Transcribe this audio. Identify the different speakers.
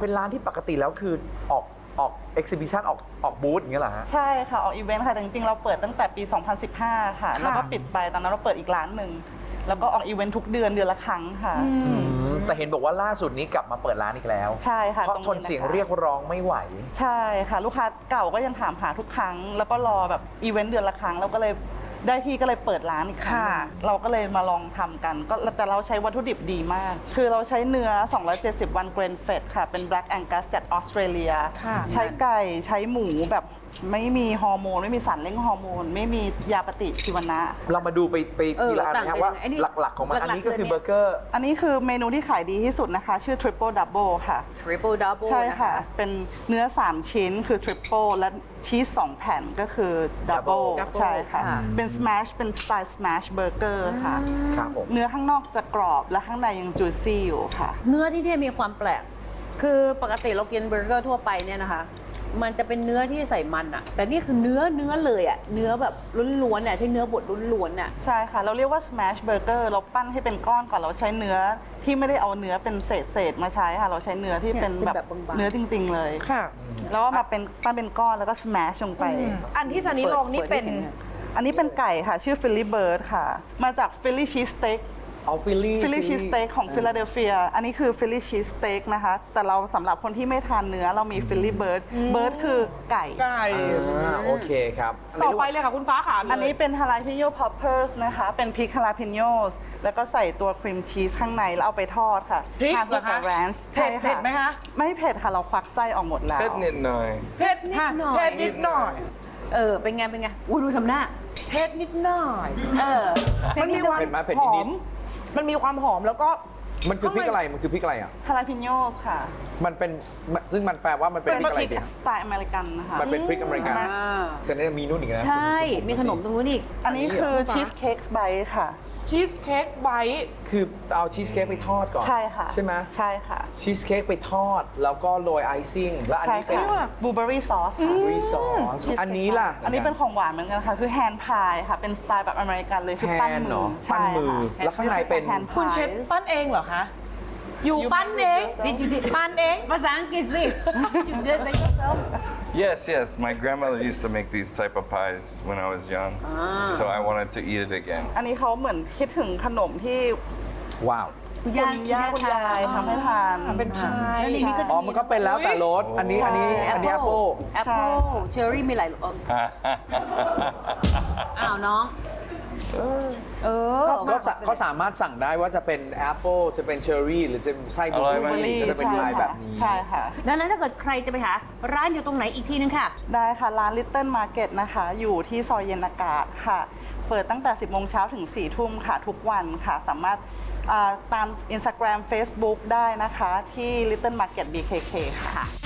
Speaker 1: เป็นร้านที่ปกติแล้วคือออกเอ็กซิบิชันออกบูธอย่างเงี้ยเหรอฮะ
Speaker 2: ใช่ค่ะออกอีเวนต์ค่ะแต่จริงๆเราเปิดตั้งแต่ปี 2015 ค่ะแล้วก็ปิดไปตอนนั้นเราเปิดอีกร้านหนึ่งแล้วก็ออกอีเวนต์ทุกเดือนละครั้งค่ะ
Speaker 1: แต่เห็นบอกว่าล่าสุดนี้กลับมาเปิดร้านอีกแล้ว
Speaker 2: ใช่ค่ะ
Speaker 1: เพราะทนเสียงเรียกร้องไม่ไหว
Speaker 2: ใช่ค่ะลูกค้าเก่าก็ยังถามหาทุกครั้งแล้วก็รอแบบอีเวนต์เดือนละครั้งเราก็เลยได้ที่ก็เลยเปิดร้านอีกครั้งเราก็เลยมาลองทำกันก็แต่เราใช้วัตถุดิบดีมากคือเราใช้เนื้อ270วันเกรนเฟดค่ะเป็น Black Angus จากออสเตรเลียใช้ไก่ใช้หมูแบบไม่มีฮอร์โมนไม่มีสารเร่งฮอร์โมนไม่มียาปฏิชีวนะ
Speaker 1: เรามาดูไปทีละอันนะครับว่าหลักๆของมันอันนี้ก็คือเบอร์เกอร์
Speaker 2: อันนี้คือเมนูที่ขายดีที่สุดนะคะชื่อ Triple Double ค่ะ
Speaker 3: Triple Double
Speaker 2: ใช่ค่ะเป็นเนื้อ3ชิ้นคือ Triple และชีส2แผ่นก็คือ Double ใช่ค่ะเป็น Smash เป็นสไตล์ Smash Burger ค่ะ
Speaker 1: ครับผม
Speaker 2: เนื้อข้างนอกจะกรอบและข้างในยัง juicy อยู่ค่ะ
Speaker 3: เนื้อที่นี่มีความแปลกคือปกติเรากินเบอร์เกอร์ทั่วไปเนี่ยนะคะมันจะเป็นเนื้อที่ใส่มันอะแต่นี่คือเนื้อเลยอะเนื้อแบบล้วนๆอะใช้เนื้อบดล้วนๆอะ
Speaker 2: ใช่ค่ะเราเรียกว่า smash burger เราปั้นให้เป็นก้อนก่อนเราใช้เนื้อที่ไม่ได้เอาเนื้อเป็นเศษมาใช้ค่ะเราใช้เนื้อที่เป็นแบบเนื้อจริงๆเลย
Speaker 4: ค่ะ
Speaker 2: แล้วก็มาเป็นปั้นเป็นก้อนแล้วก็ smash ลงไป
Speaker 4: อันที่ซันนี่ลองนี่เป็น
Speaker 2: อันนี้เป็นไก่ค่ะชื่อ Philly Bird ค่ะมาจาก Philly Cheese Steak
Speaker 1: เอาฟิลลี่
Speaker 2: ชีสสเต็กของฟิลาเดลเฟียอันนี้คือฟิลลี่ชีสสเต็กนะคะแต่เราสำหรับคนที่ไม่ทานเนื้อเรามีฟิลลี่เบิร์ดคือไก่
Speaker 1: โอเคครับ
Speaker 4: ต่อไปเลยค่ะคุณฟ้าค่ะ
Speaker 2: อันนี้เป็นฮาลาพิโยพอปเปอร์สนะคะเป็นพริกฮาลาพิโยแล้วก็ใส่ตัวครีมชีสข้างในแล้วเอาไปทอดค่ะ
Speaker 4: พริก
Speaker 2: ทานกับแรนช์ใช่ค่ะ
Speaker 4: เผ็ดไหมคะ
Speaker 2: ไม่เผ็ดค่ะเราควักไส้ออกหมดแล้ว
Speaker 5: เผ็ดนิดหน่อย
Speaker 4: เผ็ดนิดหน่อยเผ็ดนิดหน่อย
Speaker 3: เป็นไงอุ้ยดูทำหน้า
Speaker 4: เผ็ดนิดหน่อยมันมีความหอมมันมีความหอมแล้วก็
Speaker 1: มันคือพริกอะไรมันคือพริกอะไรอ่ะ
Speaker 2: ฮาลาพิโยค่ะ
Speaker 1: มันเป็นซึ่งมันแปลว่ามันเป็นพริกอะไร
Speaker 2: เนี่ยสไตล์อเมริกันนะคะ
Speaker 1: มันเป็นพริกอเมริกันจะได้มีนู่นอีกนะ
Speaker 3: ใช่มีขนมตรงนู้นอีก
Speaker 2: อันนี้คือชีสเค้กไบต์ค่ะ
Speaker 4: ชีสเค้กไบต์
Speaker 1: คือเอาชีสเค้กไปทอดก่อน
Speaker 2: ใช่ค่ะ
Speaker 1: ใช่ไหม
Speaker 2: ใช่ค่ะ
Speaker 1: ชีสเค้กไปทอดแล้วก็โรยไอซิ่งแล้วอันนี้เป็น
Speaker 2: บลูเบอร์รี่ซอสค่ะ
Speaker 1: รีซอสอันนี้ล่ะ
Speaker 2: อันนี้เป็นของหวานเหมือนกันค่ะคือแฮนด์พายค่ะเป็นสไตล์แบบอเมริกันเลยคือปั้นมือ
Speaker 1: ปั้นมือแล้วข้างในเป็น
Speaker 4: คุณเชฟปั้นเองเหรอคะอยู่ปั้นเองปั้นเอง
Speaker 3: ภาษาอังกฤษสิ You did it yourself
Speaker 5: Yes my grandmother used to make these type of pies when I was young so I wanted to eat it again
Speaker 2: อันนี้เขาเหมือนคิดถึงขนมที่
Speaker 1: ว้าว
Speaker 2: คุณย่าคุณยายทำให้ทาน
Speaker 4: เป็นพาย
Speaker 3: แล้วในนี้ก็จะ
Speaker 1: มันก็เป็นแล้วแต่รสอันนี้แอปเปิ้ล
Speaker 3: เชอร์รี่มีหลายรสอ้าวน้อง
Speaker 1: ก็สามารถสั่งได้ว่าจะเป็นแอปเปิลจะเป็นเชอร์รี่หรือจะไส้บลูเบอร์รี่ก็จะเป็นลายแบบนี้
Speaker 2: ใช่ค่ะ
Speaker 3: ดังนั้นถ้าเกิดใครจะไปหาร้านอยู่ตรงไหนอีกทีนึงค่ะ
Speaker 2: ได้ค่ะร้าน Little Market นะคะอยู่ที่ซอยเย็นอากาศค่ะเปิดตั้งแต่ 10 โมงเช้าถึง 4 ทุ่มค่ะทุกวันค่ะสามารถตาม Instagram Facebook ได้นะคะที่ Little Market BKK ค่ะ